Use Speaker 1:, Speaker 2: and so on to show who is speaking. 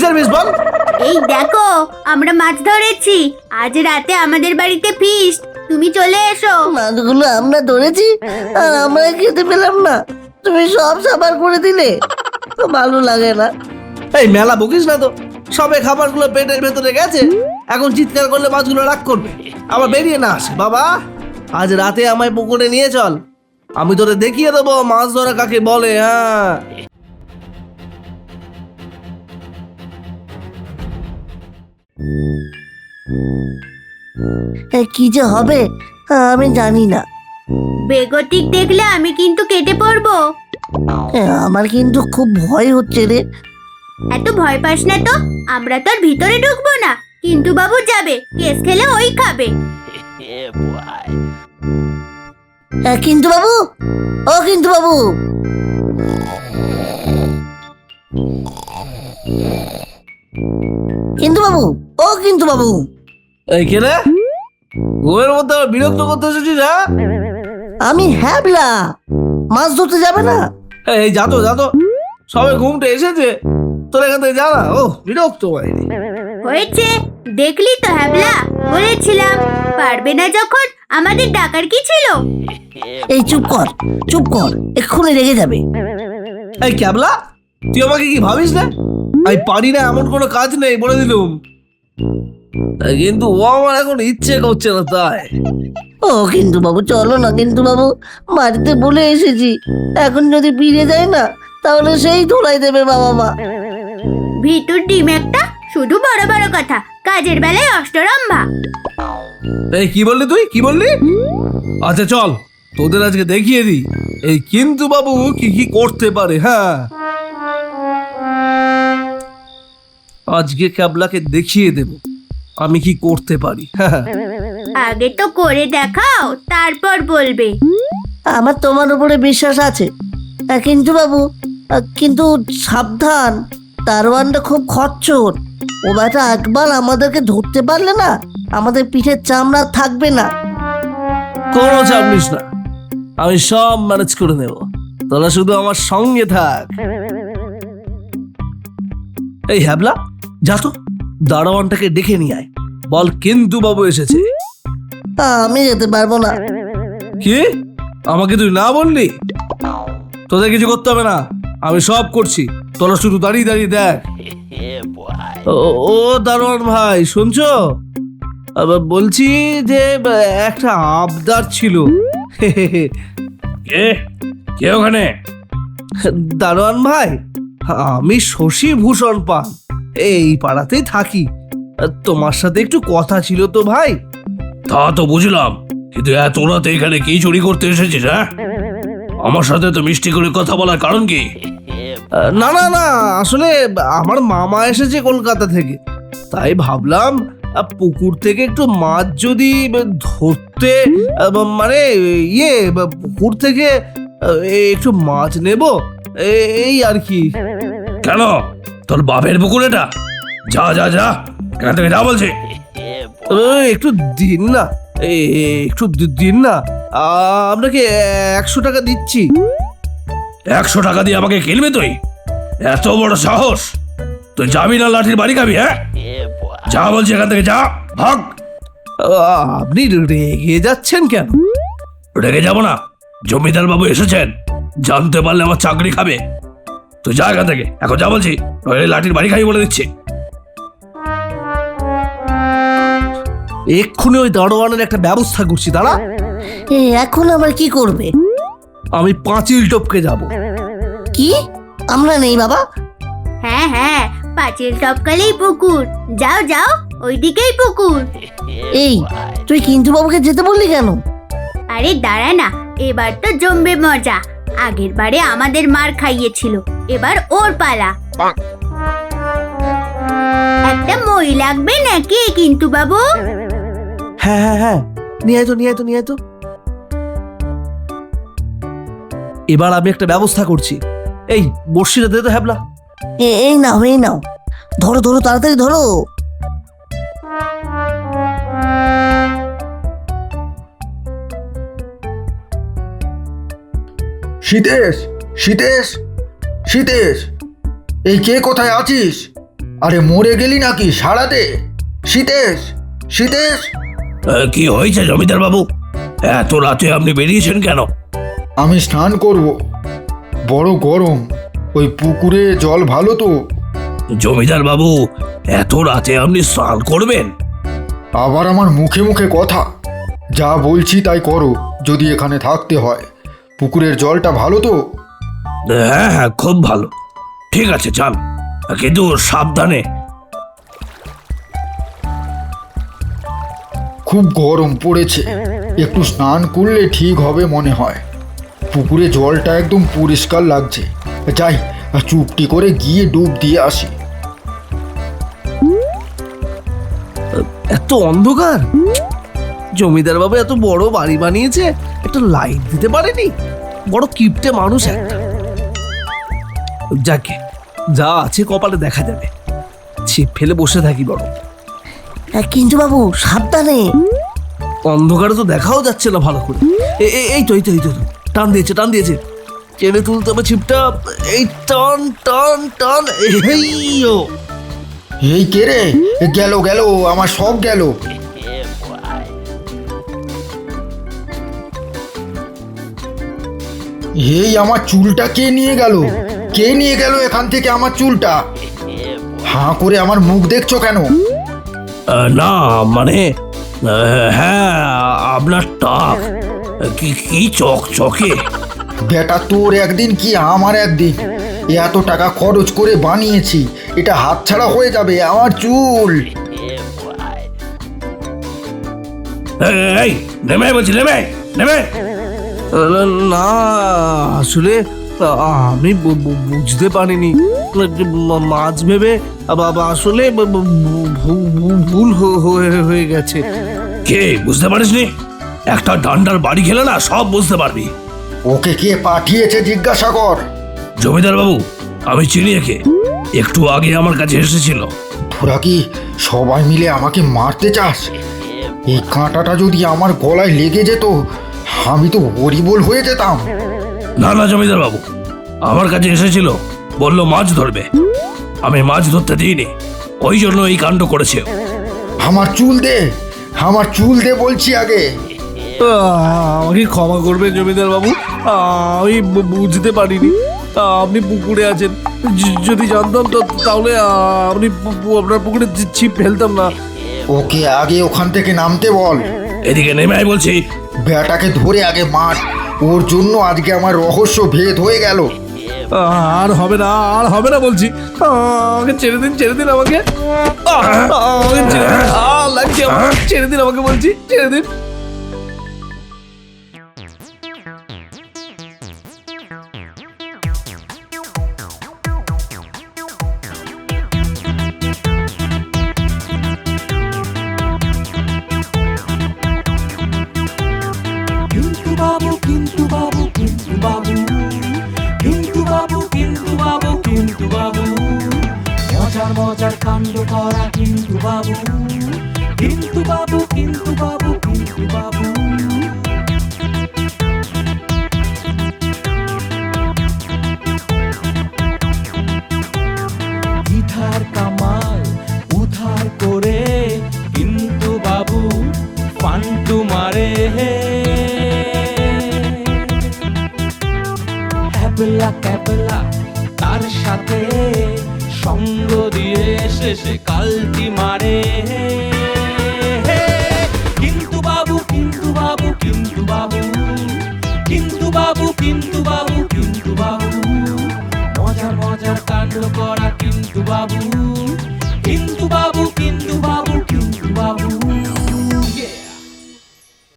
Speaker 1: কিসের ফিস্ট বল?
Speaker 2: এই দেখো আমরা মাছ ধরেছি, আজ রাতে আমাদের বাড়িতে ফিস্ট, তুমি চলে এসো।
Speaker 3: মাছগুলো আমরা ধরেছি আর আমরা খেতে পেলাম না, তুমি সব সাবার করে দিলে, ভালো লাগে না।
Speaker 1: এই মেলা বকিস না তো, সবে খাবারগুলো পেটের ভেতরে গেছে, এখন চিৎকার করলে মাছগুলো রাগ করবে, আবার বেরিয়ে না আসে। বাবা আজ রাতে আমায় পুকুরে নিয়ে চল, আমি তোরে দেখিয়ে দেবো মাছ ধরা কাকে বলে। হ্যাঁ
Speaker 3: কি যে হবে আমি জানি না।
Speaker 2: বেগতিক দেখলে আমি কিন্তু কেটে পড়বো।
Speaker 3: আমার কিন্তু খুব ভয় হচ্ছে রে।
Speaker 2: এত ভয় পাস না তো, আমরা তো আর ভিতরে ঢুকবো না, কিন্তু বাবু যাবে, কেস খেলে ওই খাবে।
Speaker 3: কিন্তু বাবু, ও কিন্তু বাবু, কিন্তু বাবু, ও কিন্তু বাবু।
Speaker 1: এই কে রে, ঘুমের মধ্যে আবার বিরক্ত করতে এসেছিস? হ্যাঁ
Speaker 3: আমি হ্যাবলা, মাছ ধরতে যাবে না?
Speaker 1: এই যাতো যাতো, সবে ঘুমটা এসেছে, তোর এখান থেকে যা না। ও বিরক্ত হয়নি।
Speaker 2: হয়েছে, দেখলি তো হ্যাবলা, বলেছিলাম পারবে না যখন আমাদের ডাকার কি ছিল।
Speaker 3: এই চুপ কর, চুপ কর, এক্ষুনি রেগে যাবে।
Speaker 1: এই ক্যাবলা, তুই আমাকে কি ভাবিস না? আমি পারি না এমন কোনো কাজ নেই, বলে দিলুম। কিন্তু ও আমার এখন ইচ্ছে করছে না তাই।
Speaker 3: ও কিন্তু বাবু চলো না, কিন্তু বাবু বাড়িতে বলে এসেছি, এখন যদি ফিরে যায় না তাহলে সেই ধোলাই দেবে বাবা মা।
Speaker 2: ভিতর ডিম একটা, শুধু বড় বড় কথা, কাজের বেলায় অষ্টরম্ভা।
Speaker 1: এই কি বললি তুই, কি বললি? আচ্ছা চল, তোদের আজকে দেখিয়ে দিই এই কিন্তু বাবু কি কি করতে পারে। হ্যাঁ আজকে ক্যাবলাকে দেখিয়ে দেব আমি কি করতে পারি।
Speaker 2: আগে তো করে দেখাও, তারপর বলবে।
Speaker 3: আমার তোমার উপরে বিশ্বাস আছে, কিন্তু বাবু, কিন্তু সাবধান, দারোয়ানটা খুব খচ্চর, ও বেটা একবার আমাদেরকে ধরতে পারলে না আমাদের পিঠের চামড়া থাকবে না।
Speaker 1: কোনো চাপ নিস না, আমি সব ম্যানেজ করে নেব, তোরা শুধু আমার সঙ্গে থাক। এই হ্যাবলা, যা তো দারোয়ানটাকে ডেকে নিয়ে আয়, বল কিন্তু বাবু এসেছে।
Speaker 3: আমি যেতে পারবো না।
Speaker 1: কি, আমাকে তুই না বললি? তোদের কিছু করতে হবে না, আমি সব করছি, তোরা শুধু দাঁড়িয়ে দাঁড়িয়ে দেখ। ও দারোয়ান ভাই, শুনছো? বলছি যে একটা আবদার ছিল।
Speaker 4: কে কে ওখানে?
Speaker 1: দারোয়ান ভাই, আমি শশী ভূষণ পান, এই পাড়াতেই থাকি, তোমার সাথে একটু কথা ছিল তো ভাই।
Speaker 4: তা তো বুঝলাম, কিন্তু এত রাতে এখানে কি চুরি করতে এসেছিস? হ্যাঁ, আমার সাথে তো মিষ্টি করে কথা বলার কারণ কি?
Speaker 1: না না না, আসলে আমার মামা এসেছে কলকাতা থেকে, তাই ভাবলাম পুকুর থেকে একটু মাছ যদি ধরতে, মানে পুকুর থেকে একটু মাছ নেব, এই আর কি।
Speaker 4: কেন, তোর বাপের পুকুর এটা? যা যা যা, এখান থেকে যা বলছি।
Speaker 1: একটু দিন না, একটু দিন না, আপনাকে 100 টাকা দিচ্ছি।
Speaker 4: 100 টাকা দিয়ে আমাকে কিনবে তুই? এত বড় সাহস! তুই যাবি না লাঠির বাড়ি খাবি? হ্যাঁ, যা বলছি, এখান থেকে যা, ভাগ।
Speaker 1: আপনি রেগে যাচ্ছেন কেন?
Speaker 4: রেগে যাবো না, জমিদার বাবু এসেছেন, জানতে পারলে আমার চাকরি খাবে। তুই যা এখান থেকে, এখন যা বলছি, নইলে লাঠির বাড়ি খাবি বলে দিচ্ছি।
Speaker 1: এক্ষুনি ওই দারোয়ানের একটা ব্যবস্থা করছি, দাঁড়া।
Speaker 3: এখন আবার কি করবে?
Speaker 1: আমি পাঁচিল টপকে যাব।
Speaker 3: কি, আমরা নেই বাবা?
Speaker 2: হ্যাঁ হ্যাঁ, পাঁচিল টপকালেই পুকুর, যাও যাও, ওইদিকেই পুকুর।
Speaker 3: এই তুই কিন্তু বাবুকে যেতে বললি কেন?
Speaker 2: আরে দাঁড়া না, এবার তো জমবে মজা, আগের বারে আমাদের মার খাইয়েছিল, এবার ওর পালা। একটা মই লাগবে নাকি কিন্তু বাবু?
Speaker 1: হ্যাঁ হ্যাঁ হ্যাঁ, নিয়ে আয় তো, নিয়ে আয় তো, নিয়ে আয় তো। এবার আমি একটা ব্যবস্থা করছি, এই বর্ষিটা দে তো হ্যাবলা।
Speaker 3: এই নাও, এই নাও, ধরো ধরো, তাড়াতাড়ি ধরো।
Speaker 5: সীতেশ, সীতেশ, সীতেশ, এই কে কোথায় আছিস? আরে মরে গেলি নাকি? সাড়া দে। সীতেশ, সীতেশ।
Speaker 4: কি হয়েছে জমিদার বাবু? এত রাতে আপনি বেরিয়েছেন কেন?
Speaker 5: আমি স্নান করব, বড় গরম। ওই পুকুরে জল ভালো তো?
Speaker 4: জমিদার বাবু, এত রাতে আপনি স্নান করবেন?
Speaker 5: আবার আমার মুখে মুখে কথা। যা বলছি তাই করো, যদি এখানে থাকতে হয়। পুকুরের জলটা ভালো তো?
Speaker 4: হ্যাঁ হ্যাঁ, খুব ভালো। ঠিক আছে, যান, কিন্তু সাবধানে।
Speaker 5: খুব গরম পড়েছে, একটু স্নান করলে ঠিক হবে মনে হয়। পুকুরে জলটা একদম পরিষ্কার লাগছে। যাই, চুপটি করে গিয়ে ডুব দিয়ে আসি।
Speaker 1: এত অন্ধকার! জমিদার বাবু এত বড় বাড়ি বানিয়েছে, একটা লাইট দিতে পারেনি? বড় কিপটে মানুষ একটা। যাকে যা আছে কপালে দেখা যাবে, ছিপ ফেলে বসে থাকি বড়।
Speaker 3: কিন্তু বাবু সাবধানে।
Speaker 1: অন্ধকারে তো দেখাও যাচ্ছে না ভালো করে। এই তো এই তো এই তো, টান দিয়েছে টান দিয়েছে, টেনে তুলতে হবে ছিপটা। এই টান টান টান, এইও।
Speaker 5: এই কে রে? গেল গেল, আমার সব গেল। এই আমার চুলটা কে নিয়ে গেল? কে নিয়ে গেল এখান থেকে আমার চুলটা? হাঁ করে আমার মুখ দেখছো কেন?
Speaker 4: না মানে, হ্যাঁ, আপনার টাক কি কি চকচকে।
Speaker 5: বেটা, তোর একদিন কি আমার একদিন। এত টাকা খরচ করে বানিয়েছি, এটা হাতছাড়া হয়ে যাবে আমার চুল।
Speaker 4: এই নেমে বলছি, নেমে নেমে।
Speaker 1: না আসলে আমি বুঝতে পারিনি, মাছ ভেবে আসলে ভুল হয়ে গেছে।
Speaker 4: কে বুঝতে পারিসনি? একটা ডান্ডার বাড়ি খেলে না সব বুঝতে পারবি।
Speaker 5: ওকে কে পাঠিয়েছে জিজ্ঞাসা কর।
Speaker 4: জমিদার বাবু, আমি চিনি একে, একটু আগে আমার কাছে এসেছিল।
Speaker 5: তোরা কি সবাই মিলে আমাকে মারতে চাস? এই কাঁটাটা যদি আমার গলায় লেগে যেত, আমি তো হরিবোল হয়ে যেতাম।
Speaker 4: না না জমিদার বাবু, আমার কাছে এসেছিল, বলল মাছ ধরবে। আমি মাছ ধরতে দিইনি, ওই জন্য এই কাণ্ড করেছে।
Speaker 5: আমার চুল দে, আমার চুল দে বলছি আগে।
Speaker 1: আমাকে ক্ষমা করবেন জমিদার বাবু, আমি বুঝতে পারিনি আপনি পুকুরে আছেন। যদি জানতাম তো তাহলে আপনি আপনার পুকুরে ছিপ ফেলতাম না।
Speaker 5: ওকে আগে ওখান থেকে নামতে বল।
Speaker 4: এদিকে নেমে আয় বলছি।
Speaker 5: বেটাকে ধরে আগে মার, ওর জন্য আজকে আমার রহস্য ভেদ হয়ে গেল।
Speaker 1: আর হবে না, আর হবে না বলছি। আমাকে ছেড়ে দিন, ছেড়ে দিন আমাকে। আমাকে ছেড়ে দিন, লাগছে আমার, ছেড়ে দিন আমাকে বলছি, ছেড়ে দিন।
Speaker 6: কিন্তু বাবু, কিন্তু বাবু, কিন্তু বাবু, কিন্তু বাবু, কিন্তু বাবু, কিন্তু বাবু, মজার মজার কাণ্ড করা কিন্তু বাবু, কিন্তু বাবু, কিন্তু বাবু, কিন্তু বাবু। ইধার কামাল উধার করে কিন্তু বাবু ফান্টু মারে। ক্যাবলা ক্যাবলা তার সাথে সঙ্গ দিয়ে শেষে কালটি মারে। কিন্তু বাবু, কিন্তু বাবু, কিন্তু বাবু, কিন্তু বাবু, কিন্তু বাবু, কিন্তু বাবু, মজার মজার কাণ্ড করা কিন্তু বাবু।